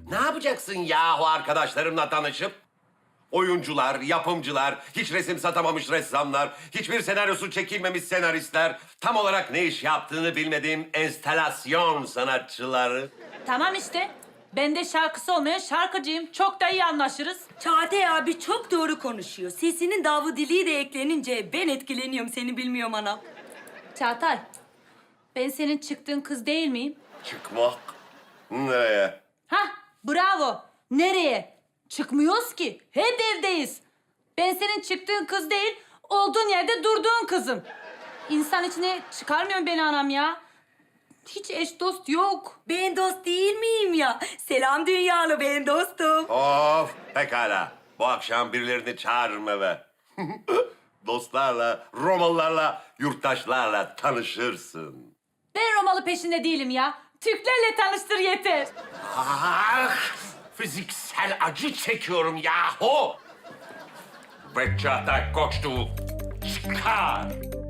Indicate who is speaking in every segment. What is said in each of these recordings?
Speaker 1: Ne yapacaksın yahu arkadaşlarımla tanışıp? Oyuncular, yapımcılar, hiç resim satamamış ressamlar, hiçbir senaryosu çekilmemiş senaristler, tam olarak ne iş yaptığını bilmediğim enstalasyon sanatçıları.
Speaker 2: Tamam işte. Ben de şarkısı olmayan şarkıcıyım. Çok da iyi anlaşırız.
Speaker 3: Çağatay abi çok doğru konuşuyor. Sesinin Davudiliği de eklenince ben etkileniyorum, seni bilmiyorum anam.
Speaker 2: Çağatay, ben senin çıktığın kız değil miyim?
Speaker 1: Çıkmak nereye?
Speaker 2: Hah, bravo. Nereye? Çıkmıyoruz ki. Hep evdeyiz. Ben senin çıktığın kız değil, olduğun yerde durduğun kızım. İnsan içine çıkarmıyor beni anam ya. Hiç eş dost yok.
Speaker 3: Ben dost değil miyim ya? Selam dünyalı, ben dostum.
Speaker 1: Of pekala. Bu akşam birilerini çağırırım eve. Dostlarla, Romalılarla, yurttaşlarla tanışırsın.
Speaker 2: Ben Romalı peşinde değilim ya. Türklerle tanıştır yeter.
Speaker 1: Ah, fiziksel acı çekiyorum yahu. Ve Çağatay Koçtu çıkar.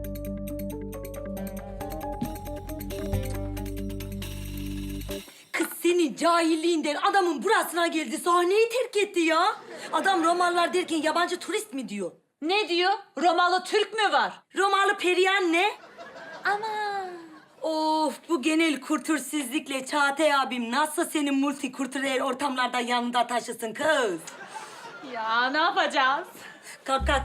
Speaker 3: Kız senin cahilliğinden adamın burasına geldi, sahneyi terk etti ya. Adam Romalılar derken yabancı turist mi diyor?
Speaker 2: Ne diyor? Romalı Türk mü var?
Speaker 3: Romalı Periyan ne?
Speaker 2: Ama
Speaker 3: Of, bu genel kültürsüzlükle Çağatay abim nasıl senin multikültürel ortamlarda yanında taşısın kız?
Speaker 2: ya ne yapacağız?
Speaker 3: Kalk kalk.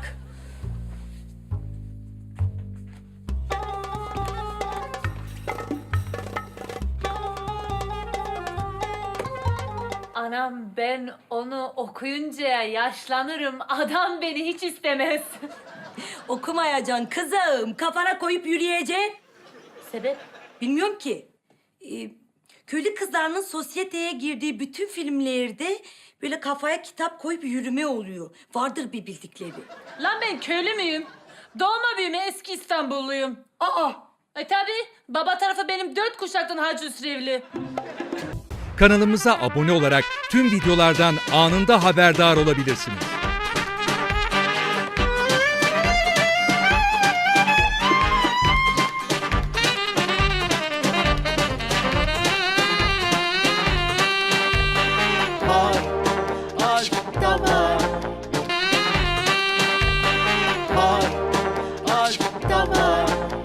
Speaker 2: Anam ben onu okuyunca yaşlanırım. Adam beni hiç istemez.
Speaker 3: Okumayacaksın kızım. Kafana koyup yürüyeceksin.
Speaker 2: Sebep?
Speaker 3: Bilmiyorum ki. Köylü kızlarının sosyeteye girdiği bütün filmlerde böyle kafaya kitap koyup yürüme oluyor. Vardır bir bildikleri.
Speaker 2: Lan ben köylü müyüm? Doğma büyüme eski İstanbulluyum.
Speaker 3: Aa!
Speaker 2: Tabii baba tarafı benim 4 kuşaktan Hacı Üsrevli.
Speaker 4: Kanalımıza abone olarak tüm videolardan anında haberdar olabilirsiniz.